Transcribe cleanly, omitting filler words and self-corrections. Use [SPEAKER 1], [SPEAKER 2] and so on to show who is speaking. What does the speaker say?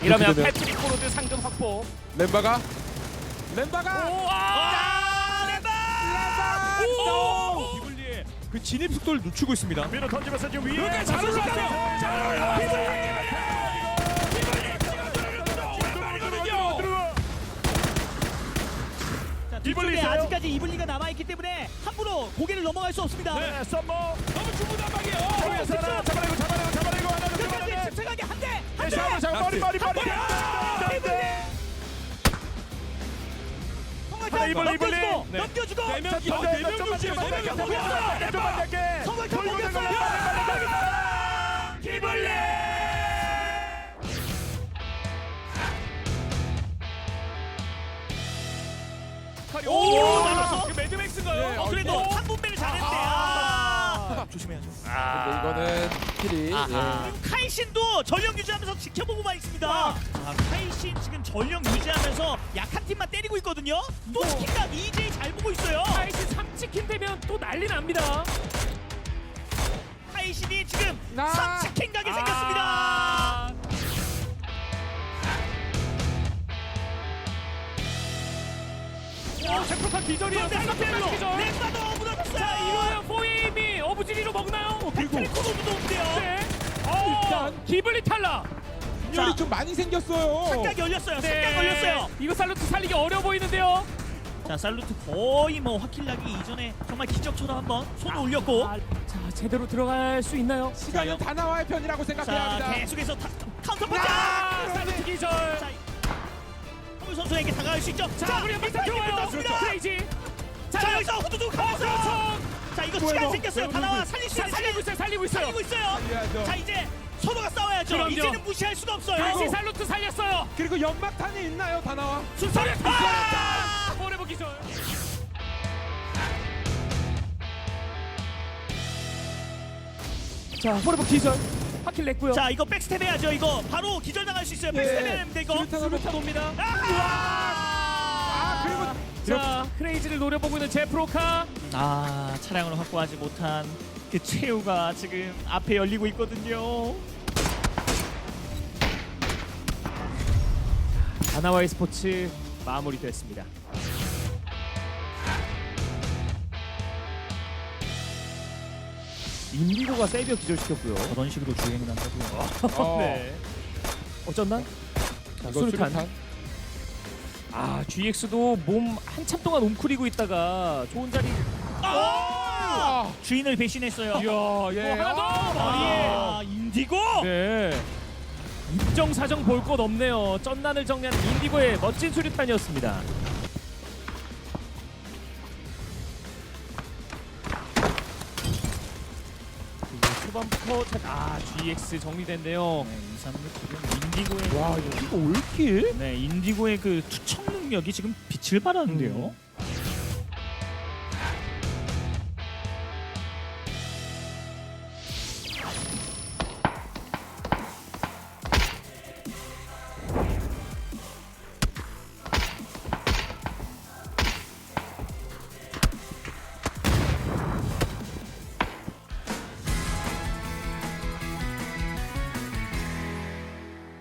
[SPEAKER 1] 이러면
[SPEAKER 2] 되네요.
[SPEAKER 1] 패트릭 코로드 상금 확보.
[SPEAKER 2] 렘바가
[SPEAKER 3] 기블리의 그 진입 속도를 늦추고 있습니다.
[SPEAKER 1] 밀어 던지면서 지금 위에
[SPEAKER 3] 이렇게 잘 올라가요. 잘 올라가요.
[SPEAKER 4] 자,
[SPEAKER 1] 이블리
[SPEAKER 4] 뒤쪽에
[SPEAKER 1] 있어요?
[SPEAKER 4] 아직까지 이블리가 남아있기 때문에 함부로 고개를 넘어갈 수 없습니다.
[SPEAKER 1] 네, 썸머.
[SPEAKER 3] 너무 중구난방이에요.
[SPEAKER 1] 저기에서 하나 잡아내고 하나
[SPEAKER 4] 끝까지
[SPEAKER 1] 잡아내고.
[SPEAKER 4] 침착하게 한 대! 한
[SPEAKER 1] 네,
[SPEAKER 4] 대!
[SPEAKER 1] 자, 머리.
[SPEAKER 4] 성공탄
[SPEAKER 1] 이블리.
[SPEAKER 4] 넘겨주고!
[SPEAKER 1] 네.
[SPEAKER 4] 넘겨주고!
[SPEAKER 3] 네 명 주시요.
[SPEAKER 4] 성공탄 넘겼어요!
[SPEAKER 1] 기블리.
[SPEAKER 4] 오, 맞았어?
[SPEAKER 1] 이거 매드맥스인가요?
[SPEAKER 4] 그래도 3분배를 잘했는데 조심해야죠.
[SPEAKER 2] 근데 이거는 킬이
[SPEAKER 4] 그리고 카이신도 전력 유지하면서 지켜보고만 있습니다. 카이신 지금 전력 유지하면서 약한 팀만 때리고 있거든요. 또 치킨각 EJ 잘 보고 있어요.
[SPEAKER 1] 카이신 3치킨 되면 또 난리 납니다.
[SPEAKER 4] 카이신이 지금
[SPEAKER 2] 아.
[SPEAKER 4] 3치킨 가게 생겼습니다.
[SPEAKER 1] 셰프칸 기절이에요. 셀럽 기절.
[SPEAKER 4] 렉바도 무너졌어요.
[SPEAKER 1] 자, 이거요. 포임이 어부지리로 먹나요?
[SPEAKER 4] 패트리코도 무서운데요.
[SPEAKER 1] 네. 기블리 탈락.
[SPEAKER 2] 열이 좀 많이 생겼어요.
[SPEAKER 4] 상각 열렸어요. 상각 걸렸어요.
[SPEAKER 1] 이거 살루트 살리기 어려 보이는데요.
[SPEAKER 4] 자, 살루트 거의 뭐 화킬나기 이전에 정말 기적처럼 한번 손을 올렸고.
[SPEAKER 1] 자, 제대로 들어갈 수 있나요?
[SPEAKER 2] 시간은 다 나와의 편이라고 생각해야
[SPEAKER 4] 자,
[SPEAKER 2] 합니다.
[SPEAKER 4] 계속해서 카운터 punch.
[SPEAKER 1] 살루트 기절.
[SPEAKER 4] 자, 홍유 선수에게 다가갈 수 있죠.
[SPEAKER 1] 자, 우리 한번 들어와요.
[SPEAKER 4] 떴습니다.
[SPEAKER 1] 크레이지.
[SPEAKER 4] 자, 여기서 후두둑 가면서. 자, 이거 시간 생겼어요. 다 나와 살릴 수 있는
[SPEAKER 1] 살리고 있어요. 살리고 있어요.
[SPEAKER 4] 살리고 있어요.
[SPEAKER 2] 살려야죠.
[SPEAKER 4] 자, 이제 서로가 싸워야죠.
[SPEAKER 1] 그럼요.
[SPEAKER 4] 이제는 무시할 수가 없어요.
[SPEAKER 1] 다시 살루트 살렸어요.
[SPEAKER 2] 그리고 연막탄이 있나요? 다 나와.
[SPEAKER 4] 순서를
[SPEAKER 1] 포레버 기절. 자, 포레버 기절. 하킬 냈고요.
[SPEAKER 4] 자, 이거 백스텝 해야죠. 이거 바로 기절 당할 수 있어요. 백스텝 해야 됩니다. 이거.
[SPEAKER 2] 수류탄
[SPEAKER 1] 옵니다.
[SPEAKER 4] 아,
[SPEAKER 1] 자, 크레이지를 노려보고 있는 제프로카.
[SPEAKER 4] 차량을 확보하지 못한 그 최후가 지금 앞에 열리고 있거든요.
[SPEAKER 1] 다나와의 스포츠 마무리됐습니다. 인디고가 세비어 기절시켰고요.
[SPEAKER 4] 그런 식으로 주행이 난다고요.
[SPEAKER 1] 네. 어쩐나? 자,
[SPEAKER 2] 이거
[SPEAKER 1] 수류탄. GX도 몸 한참 동안 웅크리고 있다가 좋은 자리.
[SPEAKER 4] 주인을 배신했어요.
[SPEAKER 1] 이야, 예. 하나 더 머리에.
[SPEAKER 4] 인디고.
[SPEAKER 1] 네. 입정 사정 볼 것 없네요. 쩐난을 정리하는 인디고의 멋진 수류탄이었습니다. 초반부터 GX 정리됐네요.
[SPEAKER 4] 2, 3루 인디고의
[SPEAKER 1] 와, 이거 올킬?
[SPEAKER 4] 인디고의 그 투척 능력이 지금 빛을 발하는데요.